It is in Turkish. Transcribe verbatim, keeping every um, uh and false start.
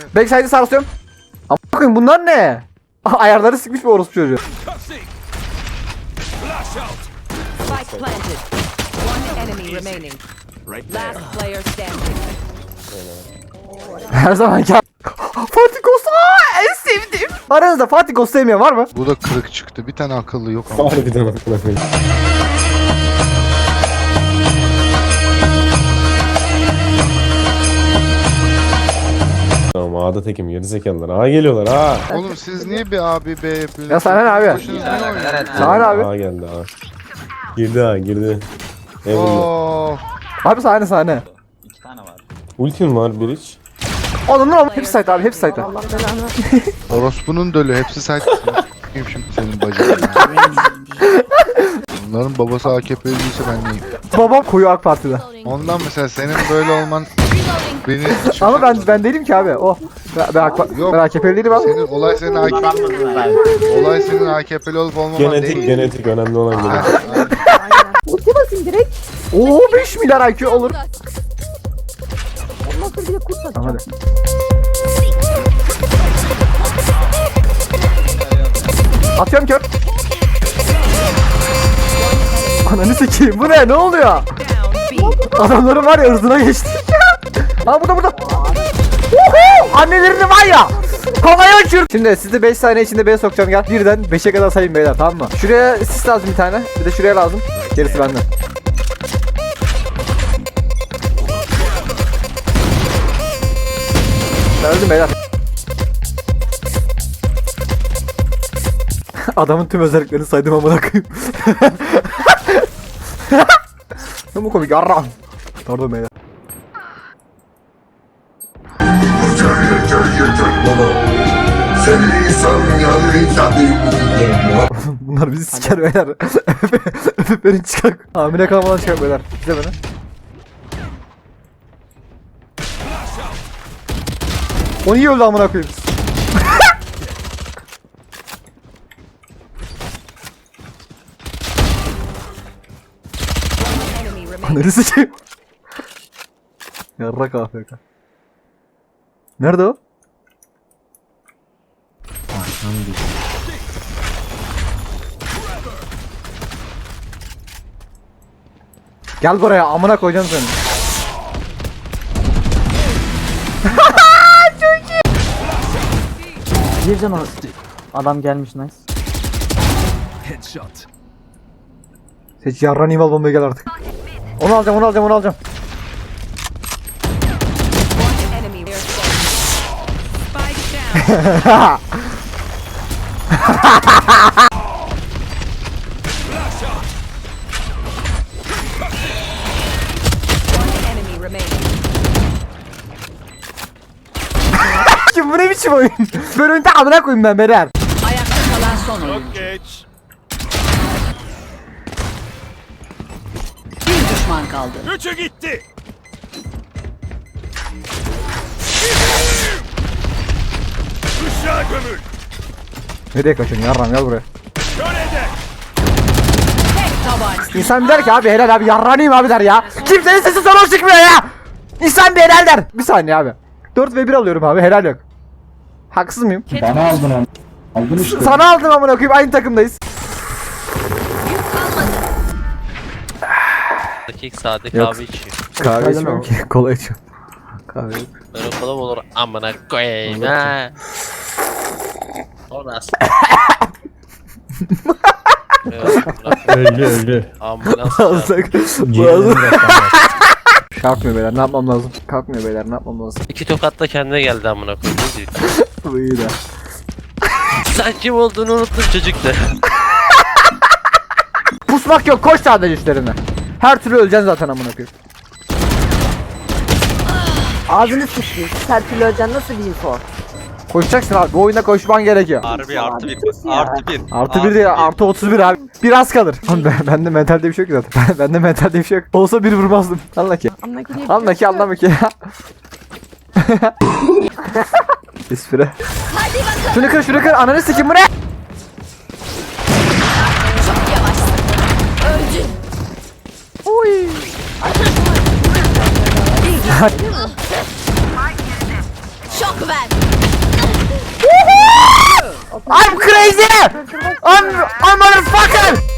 Backside'i sarsıyorum. Ama bakın bunlar ne? Ayarları sıkmış bir orospu çocuğu. Spike planted. One enemy remaining. Last player standing. Her zamanki Fatih Ghost, aa, en sevdiğim. Aranızda Fatih Ghost sevmeyen var mı? Bu da kırık çıktı. Bir tane akıllı yok ama. Harbiden aklına koyayım. Tamam A'da tekim gerizekalılar. A geliyorlar ha. Oğlum siz niye bir abi B yapıyorsunuz? Ya sana ne abi? Başınız ne oynuyor? Sana ne abi? A geldi A. Girdi A girdi. Eyvallah. Oo. Abi sahne sahne. Ultim var bir iç. Onun ama hepsi site abi, hepsi site. Orospu'nun dölü. Hepsi site. Kim şimdi senin bacın? Bunların babası A K P'liyse ben neyim? Babam koyu AK Parti'de. Ondan mesela senin böyle olman beni... Ama ben ben değilim ki abi. O ben, ben, AK, Yok. ben A K P'li değilim abi. Senin olay senin A K P'li. Olay senin A K P'li olup olmaman Genetik değil. genetik önemli olan Ha, genetik. Ulti basayım direkt. Oo beş milyar I Q olur. Ondan sonra bir de kurt Tamam atacağım. hadi. Atıyorum kör. Ananı sikeyim, bu ne? Ne oluyor? Down B. Adamların var ya ırzına geçti. Ha burada burada. Uhu! Annelerini var ya. Havaya uçur. Şimdi sizi beş saniye içinde B'ye sokacağım, gel. Birden beşe kadar sayın beyler, tamam mı? Şuraya sis lazım bir tane. Bir de şuraya lazım. Gerisi bende. Ben öldüm beyler. Adamın tüm özelliklerini saydım amına koyayım. Ne bu komik yarram. Pardon beyler. Bunlar bizi siker beyler. Öpüp beni çıkar. Hamile kalmadan çıkar beyler. Bize beni. O niye öldü amına koyayım? Enemy remaining. Ananı sikeyim. Yarrak A F K. Nerede o? Gel buraya, amına koyacağım seni. Bir can o. Adam gelmiş nice. Seç yarran imal bombaya gel artık. Onu alacağım, onu alacağım, onu alacağım. One enemy. They're Spike down. One enemy remaining. Kim bu ne biçim oyun? Böyle oyunda amına koyayım ben beyler. Ayakta kalan son oyuncu. Bir düşman kaldı. Üçü gitti. Kuşağa gömül. Nereye kaçıyorsun yarram, gel buraya. Kölede. Tek tabanca. İnsan bir der ki abi helal abi, yarranıyım abi der ya. Kimsenin sesi sana çıkmıyor ya. İnsan bir helal der. Bir saniye abi. dört ve bir alıyorum abi, helal yok. Haksız mıyım? Bana aldın onu. Aldın işte. Sana aldım amına koyayım, aynı takımdayız. Dakik sade Yok. kahve içiyor. Kahve içmiyorum ki, kola içiyorum. Kahve yok. Böyle kola mı olur amına koyayım ha. Orası. Evet, bırak. Öldü öldü. Ambulans çağır. Alsak. Ciğerini bırak. Kalkmıyor beyler, ne yapmam lazım? Kalkmıyor beyler, ne yapmam lazım? İki tokatla kendine geldi amına koyayım. Ne diyor? Bu iyi de. Sen kim olduğunu unuttun çocuk da. Pusmak yok, koş sadece üstlerine. Her türlü öleceksin zaten amına koyayım. Ağzını sıçtı. Serpil Özcan nasıl bir info? Koşacaksın abi, bu oyunda koşman gerekiyor. Harbi artı bir. Artı bir. Artı bir değil, artı otuz bir abi. Biraz kalır. Oğlum ben, bende mentalde bir şey yok ki zaten. Bende mentalde bir şey yok. Olsa bir vurmazdım. Anla ki. Anla ki. Anla ki, anlama ki. Espri. Şunu kır, şunu kır. Ananı sikim, bu ne? Oy. Şok ver. I'm crazy! I'm, I'm a motherfucker!